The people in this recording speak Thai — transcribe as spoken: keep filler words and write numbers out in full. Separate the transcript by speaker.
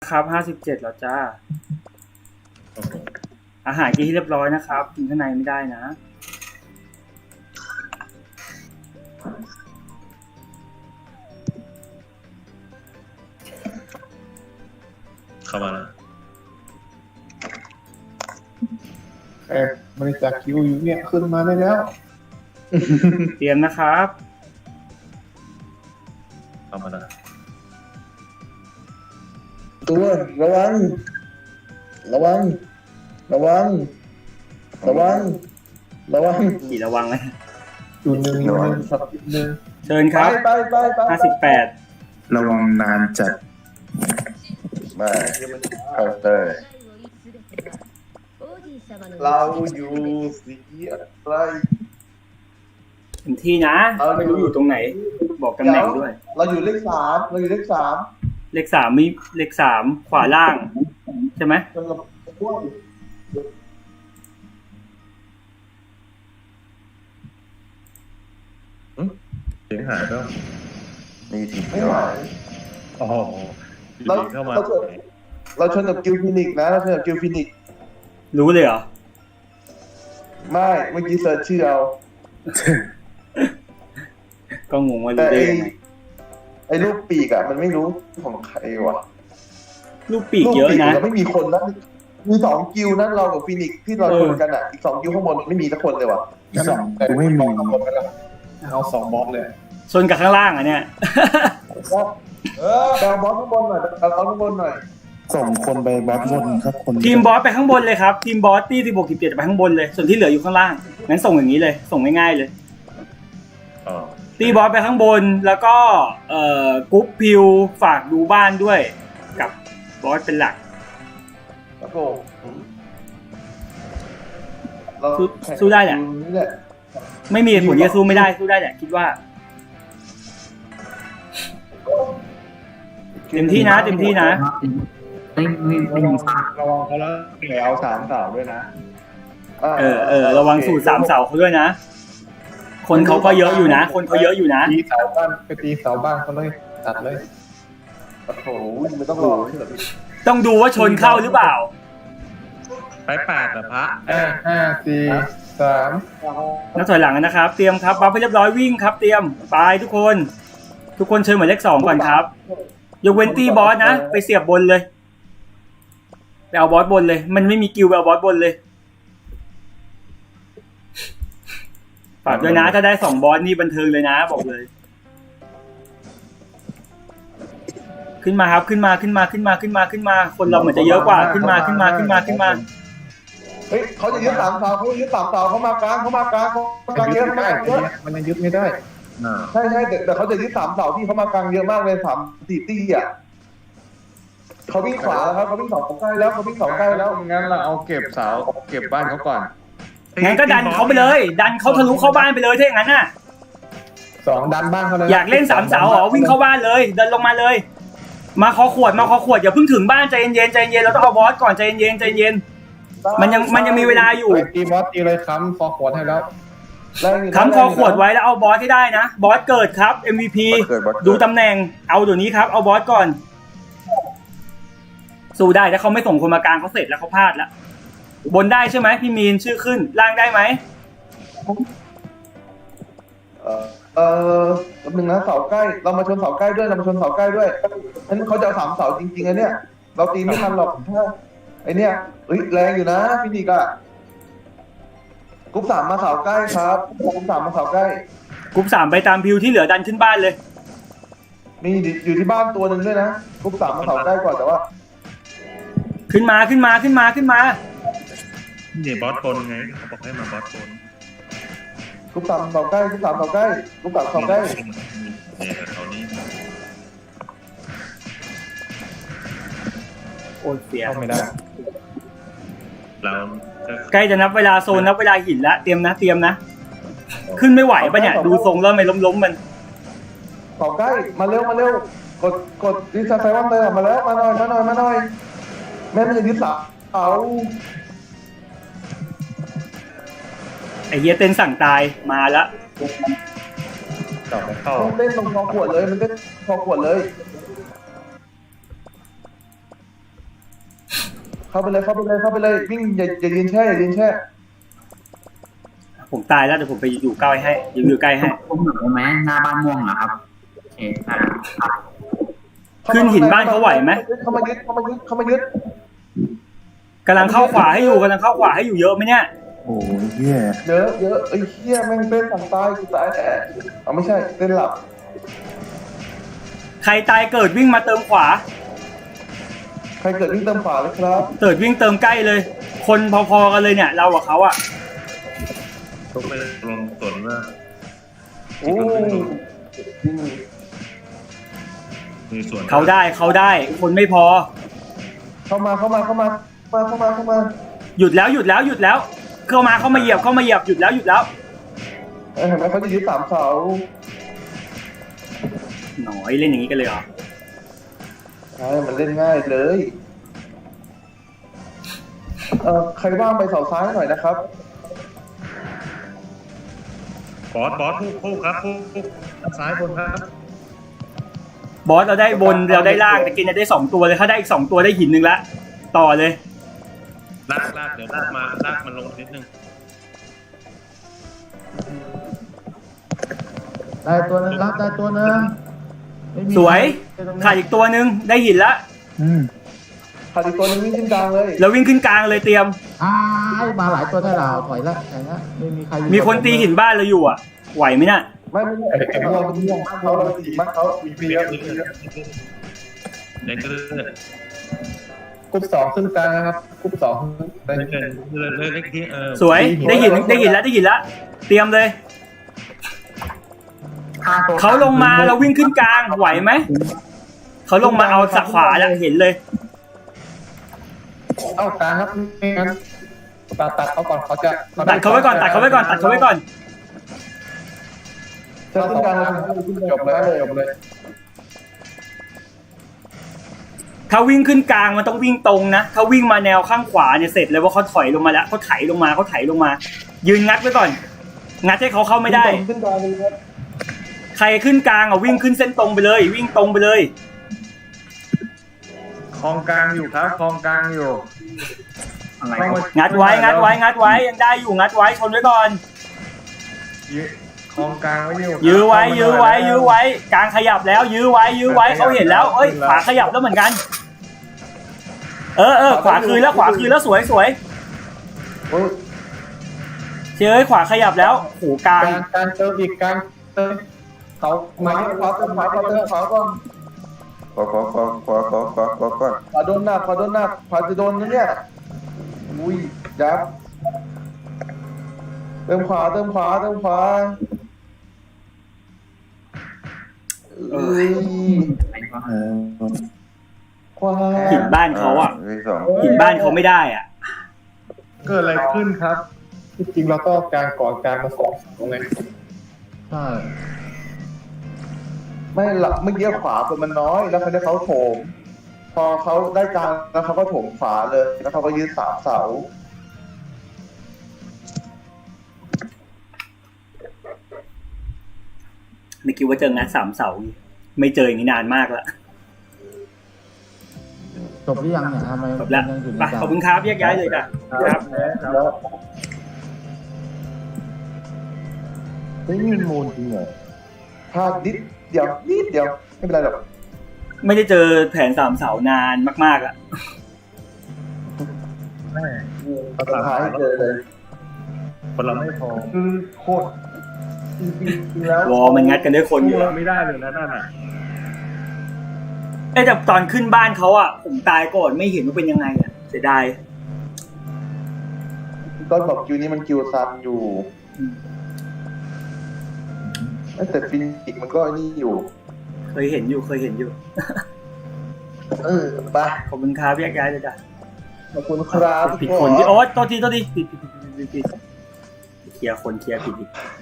Speaker 1: ครับห้าสิบเจ็ดแล้วจ้าอาหารกินให้เรียบร้อยนะครับกินข้างในไม่ได้นะ
Speaker 2: เข้ามาแล้ว
Speaker 3: แอบบริจาคคิวอยู่เนี่ยขึ้นมาได้แล้ว
Speaker 1: เตรียมนะครับ
Speaker 2: เข้ามาแล้ว
Speaker 4: ตัวระวังระวังระวังระวังระวัง
Speaker 1: กี่ระวังเลย
Speaker 3: จุดหนึ่งอยู่หนึ่งสับหนึ่ง
Speaker 1: เชิญครับ
Speaker 4: ไปไปไป
Speaker 1: ห้าสิบแปด
Speaker 5: ระวังนานจัด
Speaker 4: มาเคาน์เตอร์เราอยู่สีอะไร
Speaker 1: เต็มที่นะไม่รู้อยู่ตรงไหนบอกตำแหน่งด้วย
Speaker 4: เราอยู่เลขสามเราอยู่เลขสาม
Speaker 1: เลขสามมีเลขสามขวาล่างใช่ไหม
Speaker 2: เสียงหายแล้ว
Speaker 4: นี่ทีไม่หาย
Speaker 2: อ๋อเราเข้ามา
Speaker 4: เราชนกับกิลฟินิกนะเราชนกับกิลฟินิก
Speaker 1: รู้เลยเหรอ
Speaker 4: ไม่เมื่อกี้เซิร์ชชื่อเอา
Speaker 1: ก็งงว่ารู้ได้ยังไง
Speaker 4: ไอ้ลูกปีกอ่ะมันไม่รู้ของใครวะ
Speaker 1: ลูกปีกเยอะนะ
Speaker 4: เราไม่มีคนนะมีสองกิลนั้นเรากับฟินิกที่เราชนกันอ่ะอีกสองกิลข้างบนไม่มีสักคนเลยวะ
Speaker 3: อีกสองแต่ไม่มีเอาสองบล็อกเลย
Speaker 1: ชนกับข้างล่างอ่ะเนี่ย
Speaker 4: เออดาวบอสข้างบนหน่อยดาวบอสข้างบนหน่อย
Speaker 5: ส่งคนไปบอสบนครับคน
Speaker 1: ทีมบอสไปข้างบนเลยครับทีมบอสที่สิบหก สิบเจ็ดไปข้างบนเลยส่วนที่เหลืออยู่ข้างล่างงั้นส่งอย่างนี้เลยส่งง่ายๆเลยตีบอสไปข้างบนแล้วก็เอ่อกรุ๊ปพิวฝากดูบ้านด้วยกับบอสเป็นหลัก
Speaker 4: ครับผม
Speaker 1: สู้ได้แหละไม่มีผลที่สู้ไม่ได้สู้ได้แหละคิดว่าเต็มที่นะเต็มที่นะ
Speaker 3: ไม่ไม่ไม่มีระวังเขาแล้วเหลือเอาสามเสาด้วยนะ
Speaker 1: เออเออระวังสูตรสามเสาเขาด้วยนะคนเขาก็เยอะอยู่นะคนเขาเยอะอยู่นะ
Speaker 3: ตีเสาบ้านไปตีเสาบ้านเขาเลยตัดเลย
Speaker 4: โอ้โหไม่ต้องรอ
Speaker 1: ต้องดูว่าชนเข้าหรือเปล่า
Speaker 2: ไปแปดนะพระ
Speaker 3: ห้าห้าสี่สาม
Speaker 1: นักถอยหลังนะครับเตรียมครับบัฟให้เรียบร้อยวิ่งครับเตรียมไปทุกคนทุกคนเชิญหมายเลขสองก่อนครับยกเว้นตีบอสนะไปเสียบบนเลยไปเอาบอสบนเลยมันไม่มีกิลไปเอาบอสบนเลยฝากด้วยนะถ้าได้สองบอสนี่บันเทิงเลยนะบอกเลยขึ้นมาครับขึ้นมาขึ้นมาขึ้นมาขึ้นมาขึ้นมาคนเราเหมือนจะเยอะกว่าขึ้นมาขึ้นมาขึ้นมาขึ้นมา
Speaker 4: เฮ้ยเขาจะยึดสามเสาเขายึดสามเสาเขามากลางเขามากลางเขากลางเยอะมากเยอะ
Speaker 3: มันยังยึดไม่ได้
Speaker 4: ใช่ใช่แต่เขาจะยึดสามเสาที่เขามากลางเยอะมากเลยสามสี่ตี้อ่ะเขาวิ่งขวาแล้วครับเขาวิ่งสองใกล้แล้วเขาวิ่งสองใกล้แล้ว
Speaker 3: งั้นเราเอาเก็บเสาเก็บบ้านเขาก่อน
Speaker 1: งั้นก็ดันเขาไปเลยดันเขาทะลุเข้าบ้านไปเลยถ้าอย่างนั้นน่ะ
Speaker 3: สองดันบ้านเขาเลย
Speaker 1: อยากเล่นสามเสาเหรอวิ่งเข้าบ้านเลยเดินลงมาเลยมาคอขวดมาคอขวดอย่าเพิ่งถึงบ้านใจเย็นใจเย็นเราต้องเอาบอสก่อนใจเย็นใจเย็นมันยังมันยังมีเวลาอยู่
Speaker 3: ตีบอสตีเลยค้ำคอขวดให้แล้ว
Speaker 1: ค้ำคอขวดไว้แล้วเอาบอสให้ได้นะบอสเกิดครับ เอ็ม วี พี ดูตำแหน่งเอาเดี๋ยวนี้ครับเอาบอสก่อนสู้ได้ถ้าเขาไม่ส่งคนมากลางเขาเสร็จแล้วเขาพลาดแล้วบนได้ใช่ไหมพี่มีนชื่อขึ้นล่างได้ไหม
Speaker 4: เออเออหนึ่งนะเสาใกล้เรามาชนเสาใกล้ด้วยเรามาชนเสาใกล้ด้วยฉะนั้นเขาจะเอาสามเสาจริงๆไอ้เนี่ยเราตีไม่ทันหรอกถ้าไอ้เนี่ยเฮ้ยแรงอยู่นะพี่นิกอะกรุ๊ปสามมาเสาใกล้ครับกรุ๊ปสามมาเสาใกล้
Speaker 1: กรุ๊ปสามไปตามพิวที่เหลือดันขึ้นบ้านเลย
Speaker 4: มีอยู่ที่บ้านตัวหนึ่งด้วยนะกรุ๊ปสามมาเสาใกล้ก่อนแต่ว่า
Speaker 1: ขึ้นมาขึ้นมาขึ้นมาขึ้นมา
Speaker 2: นี่บอสบนไงเขาบอกให้มาบอสบน
Speaker 4: กรุ๊ปสามเสาใกล้กรุ๊ปสามเสาใกล้กรุ๊ปสามเสาใกล้
Speaker 2: เนี่ยเขานี่
Speaker 1: โอ้เสีย
Speaker 3: ไม่ได้
Speaker 2: เรา
Speaker 1: ใกล้จะนับเวลาโซนนับเวลาหินแล้วเตรียมนะเตรียมนะขึ้นไม่ไหวปะเนี่ยดูทรงแล้วไม่ล้มล้มมัน
Speaker 4: เสาใกล้มาเร็วมาเร็วกดกดดิสไซวันเตอร์มาแล้วมาหน่อยมาหน่อยมาหน่อยแม่ไม่จะยึดเสาเอา
Speaker 1: ไอเฮียเต้นสั่งตายมาละ
Speaker 2: ต่อไปเข้า
Speaker 4: เต้นตรงคอขวดเลยมันเต้นคอขวดเลยเข้าไปเลยเข้าไปเลยเข้าไปเลยวิ่งอย่าอย่ายืนแช่อย่ายืนแช่
Speaker 1: ผมตายแล้วเดี๋ยวผมไปอยู่ใกล้ให้อยู่อยู่ใกล้ให้
Speaker 6: ผมหนูไหมหน้าบ้านม่วงเหรอครับโอเคครับ
Speaker 1: ขึ้นหินบ้านเขาไหวไหม
Speaker 4: เข้ามายึดเข้ามายึดเข้ามายึด
Speaker 1: กำลังเข้าขวาให้อยู่กำลังเข้าขวาให้อยู่เยอะไหมเนี่ย
Speaker 5: โอ้ยเหี้ย
Speaker 4: เยอะเยอะไอ้เหี้ยแม่งเต้นสั่งตายกูตายแน่เอาไม่ใช่เต้นหลับ
Speaker 1: ใครตายเกิดวิ่งมาเติมขวา
Speaker 4: ใครเกิดวิ่งเติมขวาเลยครับ
Speaker 1: เกิดวิ่งเติมใกล้เลย คนพอๆกันเลยเนี่ย เรากับเขาอะ
Speaker 2: ทุกไปลงสวนว่า
Speaker 4: โอ้วิ่ง
Speaker 2: มีส่วน
Speaker 1: เขาได้เขาได้ คนไม่พอ
Speaker 4: เข้ามาเข้ามาเข้ามามาเข้ามาเข้ามา
Speaker 1: หยุดแล้วหยุดแล้วหยุดแล้ว เข้ามาเข้ามาเหยียบเข้ามาเหยียบหยุดแล้วหยุดแล้ว
Speaker 4: เอ้ยเห็นไหมเขาจะยึดสามเสา
Speaker 1: หน่อยเล่นอย่างนี้กันเลยเหรอ
Speaker 4: ใช่มันเล่นง่ายเลยเออใครว่างไปเสาซ้ายหน่อยนะครับ
Speaker 2: บอสบอสคู่คู่ครับคู่คู่ซ้ายบนครับ
Speaker 1: บอสเราได้บนเราได้ล่างแต่กินจะได้สองตัวเลยถ้าได้อีกสองตัวได้หินหนึ่งละต่อเลย
Speaker 2: ลากลากเดี๋ยวลากมาลากมันลงนิดนึง
Speaker 3: ได้ตัวนึงรับได้ตัวนึงไม่มี
Speaker 1: สวยขาดอีกตัวหนึ่งได้หินละ
Speaker 5: อืม
Speaker 4: ขาดอีกตัวนึงวิ่งขึ้นกลางเลย
Speaker 1: แล้ววิ่งขึ้นกลางเลยเตรียม
Speaker 3: อ้ายมาหลายตัวได้เราถอยละอย่างเงี้ยไม่มีใครอยู่
Speaker 1: มีคนตีหินบ้านเราอยู่อ่ะไหวไหมน่ะ
Speaker 4: ไม่ไม่ไม่ไอ้ม่วงม่วงเขาเราตีมันเขาวีพีแล้ว
Speaker 2: เด็กเลือด
Speaker 3: กรุ๊ปสองขึ้นกลางนะครับกรุ๊ปสอง
Speaker 2: เลือดเลือดเลือดเลือดเล็กที่เออ
Speaker 1: สวยได้หินได้หินแล้วได้หินแล้วเตรียมเลย
Speaker 6: ฆ่ตัว
Speaker 1: เขาลงมาเราวิ่งขึ้นกลางไหวไหมเขาลงมาเอาสักขวาแล้วเห็นเลย
Speaker 3: เอ้ากลางครับไม่งั้นตัดตัดเขาก่อนเขาจะ
Speaker 1: ตัดเขาไว้ก่อนตัดเขาไว้ก่อนตัดเขาไว้ก่อน
Speaker 4: จะขึ้นกลางแล้วจบเลยจบเลย
Speaker 1: ถ้าวิ่งขึ้นกลางมันต้องวิ่งตรงนะถ้าวิ่งมาแนวข้างขวาเนี่ยเสร็จเลยว่าเขาถอยลงมาแล้วเขาไถลงมาเขาไถลงมา ยืนงัดไว้ก่อน งัดให้เขาเข้าไม่ได้
Speaker 4: ขึ้นกลางเลยครับ
Speaker 1: ใครขึ้นกลางอ่ะวิ่งขึ้นเส้นตรงไปเลย วิ่งตรงไปเลย
Speaker 3: คลองกลางอยู่ครับคลองกลางอยู่
Speaker 6: อะไร
Speaker 1: งัดไว้งัดไว้งัดไว้ยังได้อยู่งัดไว้ชนไว้ก่อน
Speaker 3: คลองกลางไว้อยู่
Speaker 1: ยื้อไว้ยื้อไว้ยื้อไว้กลางขยับแล้วยื้อไว้ยื้อไว้เขาเห็นแล้วเอ้ยขวาขยับแล้วเหมือนกัน เออเออขวาคืนแล้วขวาคืนแล้วสวยสวย
Speaker 4: โอ้ย
Speaker 1: เจ้ยขวาขยับแล้วโหกลาง
Speaker 3: กลางกลางเติมอีกกลางเติมเขา
Speaker 4: ขวาขวาเติมขวาขวาเติมขวาก่อนขวาขวาขวาขวาขวาขวาขวาก่อนขวาโดนหน้าขวาโดนหน้าขวาจะโดนนะเนี่ยอุ้ยยับเติมขวาเติมขวาเติมขวาเอ้ย
Speaker 5: เออ
Speaker 4: ขวา
Speaker 1: หินบ้านเขาอ่ะหินบ้านเขาไม่ได้อ่ะ
Speaker 3: เกิดอะไรขึ้นครับที่จริงเราก็กลางก่อนกลางมาสองตรงไหนใช่
Speaker 4: ไม่หลักเมื่อกี้ขวาคนมันน้อยแล้วเขาได้เขาโถมพอเขาได้กลางแล้วเขาก็โถมขวาเลยแล้วเขาก็ยืดสามเสา
Speaker 1: ไม่คิดว่าเจองานสามเสาไม่เจออย่างนี้นานมากละ
Speaker 3: จบหรือยังเนี่ยทำไม
Speaker 1: จบแล้ว
Speaker 3: ยังอยู่ใน
Speaker 1: ไป
Speaker 3: กลาง
Speaker 1: ขอบคุณครับแยกย้ายเลยจ้ะครับ
Speaker 4: แล้วไม่มีมูลจริงเหรอพลาดนิดเดียวนิดเดียวไม่เป็นไรหรอก
Speaker 1: ไม่ได้เจอแผนสามเสานานมากๆละ
Speaker 4: สุดท้ายเจอเลย
Speaker 2: คนเราไม่พอ
Speaker 4: คือโคตรจริงๆแล้ว
Speaker 1: วอมันงัดกันด้วยคนอยู่
Speaker 2: ไม่ได้เลยนะนั่นอ่ะ
Speaker 1: เอ้แต่ตอนขึ้นบ้านเขาอ่ะผมตายก่อนไม่เห็นว่าเป็นยังไงอ่ะเสียดาย
Speaker 4: ก็บอกคิวนี้มันคิวซันอยู่แต่ฟินิกมันก็นี่อยู่
Speaker 1: เคยเห็นอยู่เคยเห็นอยู่
Speaker 4: เออไป
Speaker 1: ขอบคุณครับแยกย้ายเลยจ้ะ
Speaker 4: ขอบคุณครับ
Speaker 1: ผิดคนที่โอ๊ตตัวทีตัวทีผิดผิดผิดผิดผิดเคลียร์คนเคลียร์ผิดอีก